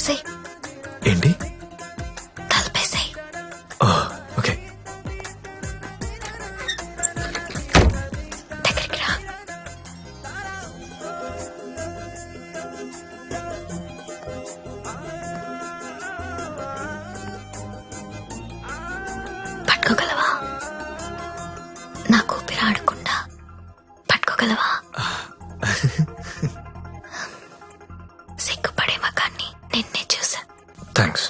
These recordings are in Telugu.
తలుపేసాయి. ఏంటి? తలుపేసాయి. ఓకే. దగ్గరికి రా. పట్టుకోగలవా? నాకు ఊపిరి ఆడకుండా పట్టుకోగలవా? సిగ్గుపడే మగాన్ని నిన్నే చూసా. థ్యాంక్స్.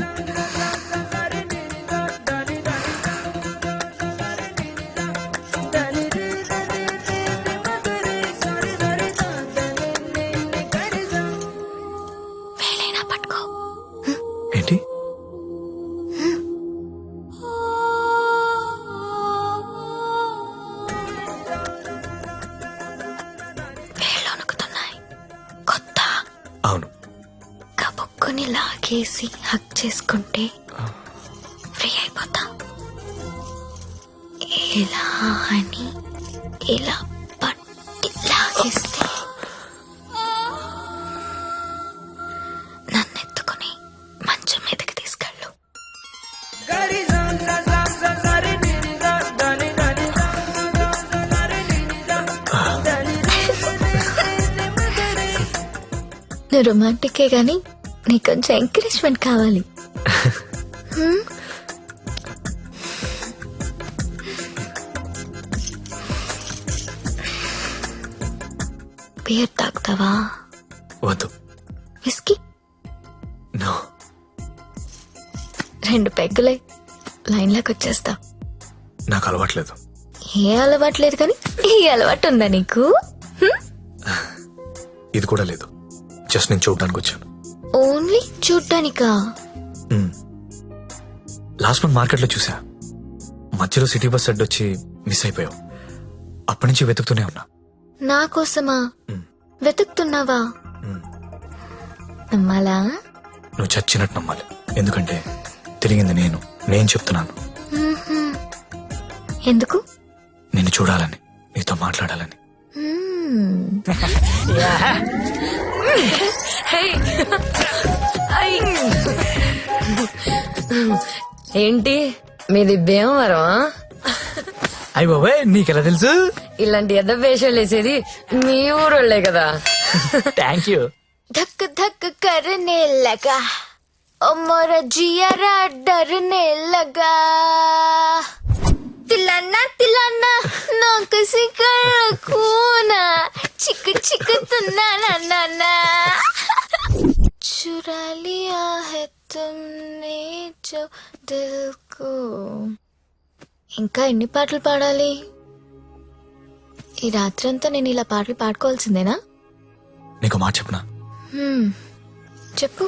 వేలైనా పట్టుకో. ఏంటి? వేళ్ళు వణుకుతున్నాయి. కొత్త అవును. కబుక్కుని లాగేసి హక్ చేసుకుంటే ఫ్రీ అయిపోతా. ఇలా అని ఇలా పట్టి లాగేస్తే నన్ను ఎత్తుకుని మంచం మీదకి తీసుకెళ్ళు. నువ్వు రొమాంటికే గాని నీకు కొంచెం ఎంకరేజ్మెంట్ కావాలి. బియర్ తాగుతావా? వద్దు. విస్కీ? నో. 2 పెగ్గులే లైన్లోకి వచ్చేస్తా. నాకు అలవాట్లేదు. ఏ అలవాటు లేదు కానీ ఈ అలవాటు ఉందా నీకు? ఇది కూడా లేదు. జస్ట్ నేను చూడడానికి వచ్చాను. ఓన్లీ చూడ్డానికా? లాస్ట్ మంత్ మార్కెట్లో చూసా. మధ్యలో సిటీ బస్ అడ్డొచ్చి మిస్ అయిపోయావు. అప్పటి నుంచి వెతుకుతూనే ఉన్నా. నా కోసమా వెతుకుతున్నావా? నమ్మాలా? నువ్వు చచ్చినట్టు నమ్మాలి. ఎందుకంటే తిరిగింది నేను చెప్తున్నాను. ఎందుకు? నిన్ను చూడాలని, నీతో మాట్లాడాలని. ఏంటి మీది భీమవరం? అయ్య బాబాయ్, నీకెలా తెలుసు? ఇలాంటి ఎద్ద వేషాలు వేసేది మీ ఊరోళ్లే కదా. Thank you. धक धक करने लगा ओ मोरा जियारा डरने लगा. तिलाना तिलाना ना किसी कर खूना चिक चिक तुना ना ना ना चुरा लिया है तुमने जो दिल को. ఇంకా ఎన్ని పాటలు పాడాలి? ఈ రాత్రంతా నేను ఇలా పాటలు పాడుకోవాల్సిందేనా? నీకు మాట చెప్పనా? చెప్పు.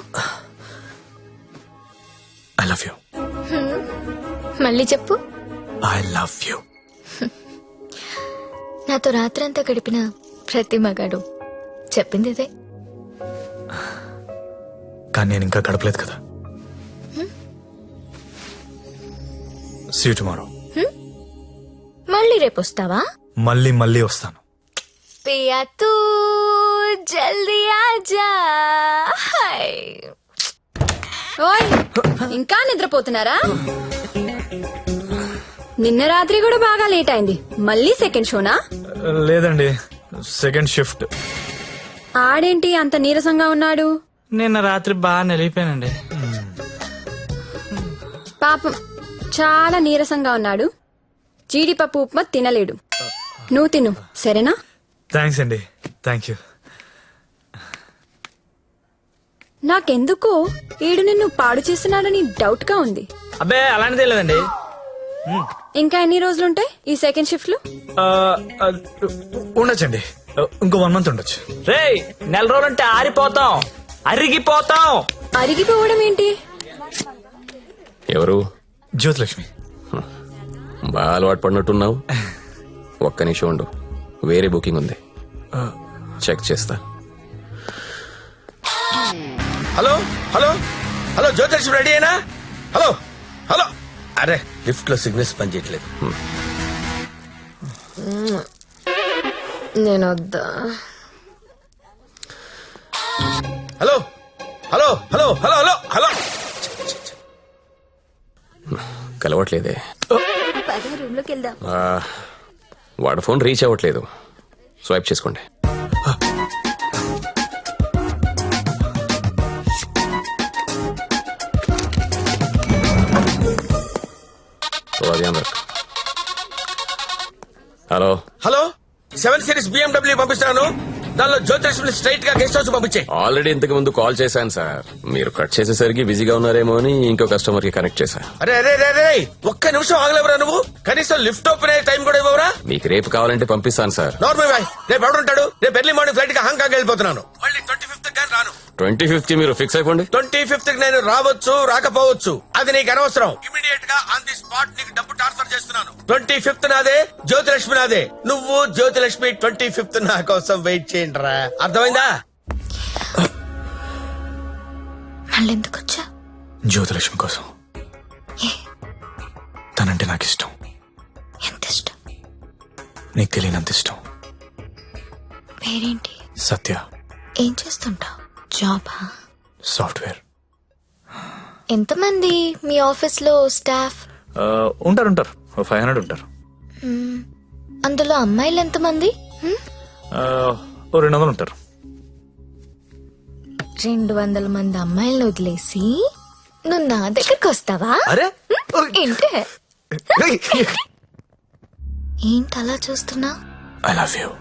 I love you. మళ్ళీ చెప్పు. I love you. నాతో రాత్రంతా గడిపిన ప్రతి మగాడు చెప్పింది ఇదే. కానీ నేను ఇంకా గడపలేదు కదా. See you tomorrow. మళ్ళీ రేపు వస్తావా? మళ్ళీ వస్తాను. పియా తూ జల్దీ ఆజా. ఓయ్, ఇంకా నిద్రపోతున్నారా? నిన్న రాత్రి కూడా బాగా లేట్ అయింది. మళ్ళీ సెకండ్ షోనా? లేదండి, సెకండ్ షిఫ్ట్. ఆడేంటి అంత నీరసంగా ఉన్నాడు? నిన్న రాత్రి బాగా నలిగిపోయానండి. పాపం చాలా నీరసంగా ఉన్నాడు. జీడిపప్పు ఉప్మా తినలేడు. నువ్వు తిను సరేనా? థ్యాంక్స్ అండి. Thank you. నాకెందుకో ఈడు నిన్ను పాడు చేస్తున్నాడని డౌట్ గా ఉంది. అబ్బే అలాంటిదే లేదండి. ఇంకా ఎన్ని రోజులుంటాయి ఈ సెకండ్ షిఫ్ట్ లో? ఉండొచ్చండి, ఇంకో 1 month ఉండొచ్చు. రేయ్, 4 రోజులంటే ఆరిపోతాం, అరిగిపోతాం. అరిగిపోవడం ఏంటి? ఎవరు? జ్యోతిలక్ష్మి. బాగా అలవాటు పడినట్టున్నావు. ఒక్క నిమిషం ఉండు, వేరే బుకింగ్ ఉంది, చెక్ చేస్తా. Hello hello hello, Jyothilakshmi ready అయినా? Hello hello. అరే, లిఫ్ట్ లో సిగ్నల్స్ పనిచేయట్లేదు. నేను వద్దా? Hello hello hello hello hello hello కలవట్లేదే. రూమ్ లోకి వెళ్దాం. ఆ, వాడు ఫోన్ రీచ్ అవ్వట్లేదు. స్వైప్ చేసుకోండి. ఓ, అది అందరు. హలో, హలో 7 సిరీస్ BMW పంపిస్తున్నాను. దానిలో జ్యోతిలక్ష్మి స్ట్రైట్ గా గెస్ట్ హౌస్ పంపించే. ఆల్రెడీ ఇంతకు ముందు కాల్ చేశాను సార్. మీరు కట్ చేసేసరికి బిజీగా ఉన్నారేమో అని ఇంకో కస్టమర్ కి కనెక్ట్ చేశా. అరే అరే అరే అరే ఒక్క నిమిషం ఆగలేవరా నువ్వు? కనీసం లిఫ్ట్ ఓపెన్ అయ్యే టైం కూడా ఇవ్వరా? మీకు రేపు కావాలంటే పంపిస్తాను సార్. నార్మల్ బాయ్, రేపు ఎవడుంటాడు? రేపు ఎర్లీ మార్నింగ్ ఫ్లైట్ గా హాంకాంగ్ వెళ్ళిపోతున్నాను. మళ్ళీ 25th గాని రాను. 25th మీరు ఫిక్స్ అయిపోండి. 25th కి నేను రావచ్చు రాకపోవచ్చు, అది నీకు అనవసరం. ఇమీడియట్ గా ఆన్ ది స్పాట్ నీకు డబ్బు ట్రాన్స్ఫర్ చేస్తున్నాను. 25th నాదే, జ్యోతిలక్ష్మి నాదే. నువ్వు జ్యోతిలక్ష్మి 25th నా కోసం వెయిట్ చేయండి రా. అర్థమైందా? మళ్ళీ ఎందుకు వచ్చా? జ్యోతిలక్ష్మి కోసం. ఏ తనంటే నాకు ఇష్టం. ఎంత ఇష్టం? నీకు తెలియనంత ఇష్టం. పేరేంటి? సత్య. ఏం చేస్తుంటావు? జాబా? సాఫ్ట్వేర్. ఎంతమంది మీ ఆఫీస్ లో స్టాఫ్? ఉంటారు 500 ఉంటారు. అందులో అమ్మాయిలు ఎంతమంది? 200 ఉంటారు. 200 మంది అమ్మాయిలను వదిలేసి నువ్వు నా దగ్గరకు వస్తావా? అరే ఏంటే ఏంటి అలా చూస్తున్నా? I love you.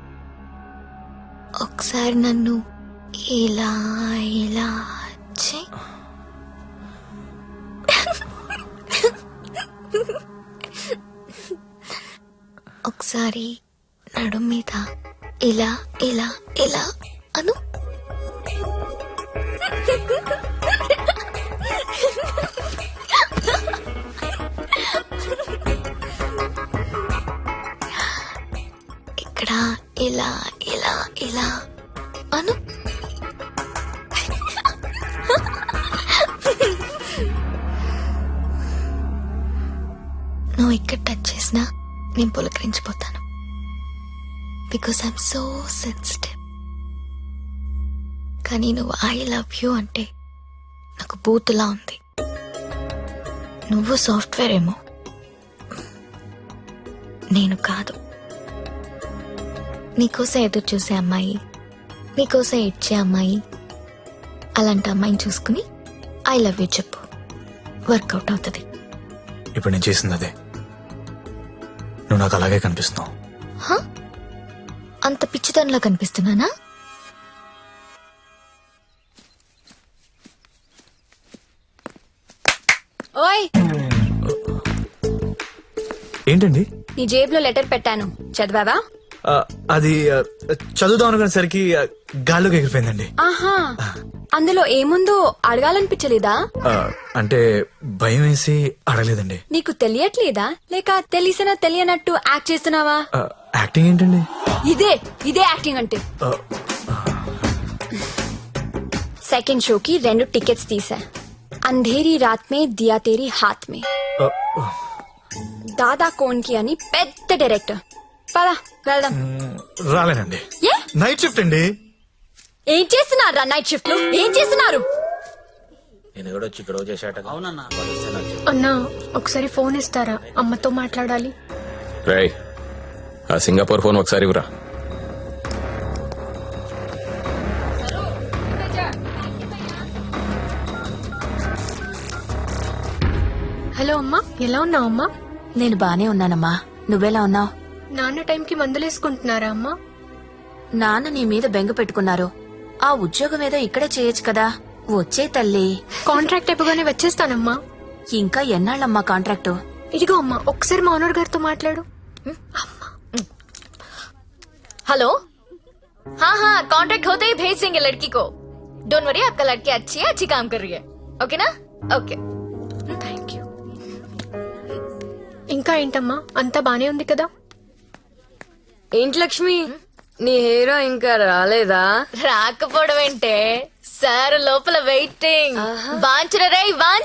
ఒకసారి నన్ను ఇలా ఇలా చెయ్. ఒకసారి నడు మీద ఇలా ఇలా ఇలా అను. ఇక్కడ ఇలా ఇలా ఇలా అను. నువ్వు ఇక్కడ టచ్ చేసినా నేను పులకరించిపోతాను. Because I'm so sensitive. కానీ నువ్వు ఐ లవ్ యూ అంటే నాకు బూతులా ఉంది. నువ్వు సాఫ్ట్వేర్ ఏమో, నేను కాదు. నీకోసం ఎదురు చూసే అమ్మాయి, నీకోసం ఏడ్చే అమ్మాయి, అలాంటి అమ్మాయిని చూసుకుని ఐ లవ్ యూ చెప్పు. వర్కౌట్ అవుతుంది. ఇప్పుడు నేను చేసింది అదే. నువ్వు నాకు అలాగే కనిపిస్తున్నావు. అంత పిచ్చితనంలా కనిపిస్తున్నానా? ఓయ్, ఏంటండి? నీ జేబులో లెటర్ పెట్టాను, చదివావా? అది చదువుదాం అనుకునేసరికి గాల్లోకి ఎగిరిపోయిందండి. ఆహా, అందులో ఏముందో అడగాలనిపించలేదా? అంటే భయం వేసి అడగలేదండి. నీకు తెలియట్లేదా, లేక తెలిసినా తెలియనట్టు యాక్ట్ చేస్తున్నావా? యాక్టింగ్ ఏంటండి? ఇదే యాక్టింగ్ అంటే. సెకండ్ షోకి 2 టికెట్స్ తీసా. అంధేరి రాత్ మే దియా తేరీ హాత్ మే. దాదా కోన్కి అని పెద్ద డైరెక్టర్. పదా వెళ్దాం. రాలేనండి. ఏ నైట్ షిఫ్ట్ అండి. ఏం చేస్తున్నారు నైట్ షిఫ్ట్ లో? ఏం చేస్తున్నారు? నేను కూడా వచ్చి ఇక్కడ చేశాట. అన్నా ఒకసారి ఫోన్ ఇస్తారా? అమ్మతో మాట్లాడాలి. రేయ్, ఆ సింగపూర్ ఫోన్ ఒకసారి ఇవ్వరా. హలో అమ్మా, ఎలా ఉన్నావు అమ్మా? నేను బానే ఉన్నానమ్మా, నువ్వెలా ఉన్నావు? నాన్న టైంకి మందులేసుకుంటున్నారా అమ్మా? నాన్న నీ మీద బెంగ పెట్టుకున్నారు. ఆ ఉద్యోగం ఏదో ఇక్కడే చేయొచ్చు కదా. వచ్చే తల్లి. కాంట్రాక్ట్ అయిపోగానే వచ్చేస్తానమ్మా. ఇంకా ఎన్నాళ్ళమ్మా కాంట్రాక్టు? ఇదిగో అమ్మా, ఒకసారి మా ఓనర్ గారితో మాట్లాడు. हेलो, हाँ कॉन्ट्रैक्ट होते ही भेज देंगे लड़की को. डोंट वरी, आपका लड़की अच्छी है, अच्छी काम कर रही है. ओके ना? ओके. Thank you. ఇంకా ఏంటమ్మా, అంతా బానే ఉంది కదా? ఏంటి లక్ష్మి, నీ హీరో ఇంకా రాలేదా? రాకపోవడం ఏంటే సార్, లోపల వెయిటింగ్. వాంచరా రేయ్,